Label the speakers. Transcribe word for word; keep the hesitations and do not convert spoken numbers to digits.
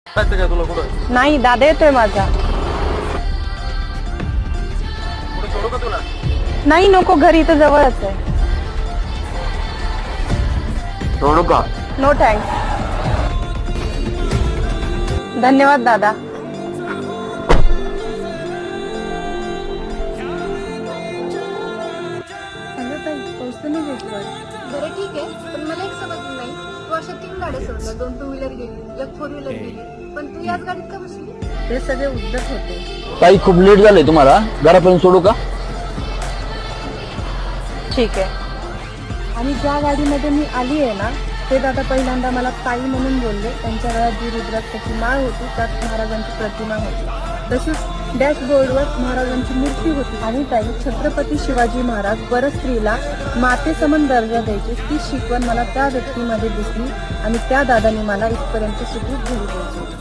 Speaker 1: जायचं काय तुला कुठं?
Speaker 2: नाही, दादा येतोय माझा.
Speaker 1: कुठे सोडू का तुला?
Speaker 2: नाही नको, घरी इथं जवळच आहे.
Speaker 1: सोडू का?
Speaker 2: No thanks. धन्यवाद दादा. हॅलो ताई, पोहोचतो मी गेटवर.
Speaker 3: बरं ठीक आहे, पण मला एक समजलं नाही, तू अशा तीन गाड्या सोडल्या, दोन टू व्हीलर गेली, एक फोर व्हीलर गेली, पण तू याच गाडीत का बसली?
Speaker 2: ते सगळे उद्धट होते.
Speaker 4: ताई खूप लेट झालंय तुम्हाला, घरापर्यंत सोडू का?
Speaker 2: ठीक आहे. आणि ज्या गाडीमध्ये मी आली आहे ना, ते दादा पहिल्यांदा मला ताई म्हणून बोलले. त्यांच्या गळ्यात जी रुद्राक्षाची माळ होती त्यात महाराजांची प्रतिमा होती. तशीच डॅशबोर्डवर महाराजांची मूर्ती होती. आणि ताई, छत्रपती शिवाजी महाराज परस्त्रीला मातेसमान दर्जा द्यायची ती शिकवण मला त्या व्यक्तीमध्ये दिसली आणि त्या दादाने मला इथपर्यंत सुखरूप घरी पोहोचवली.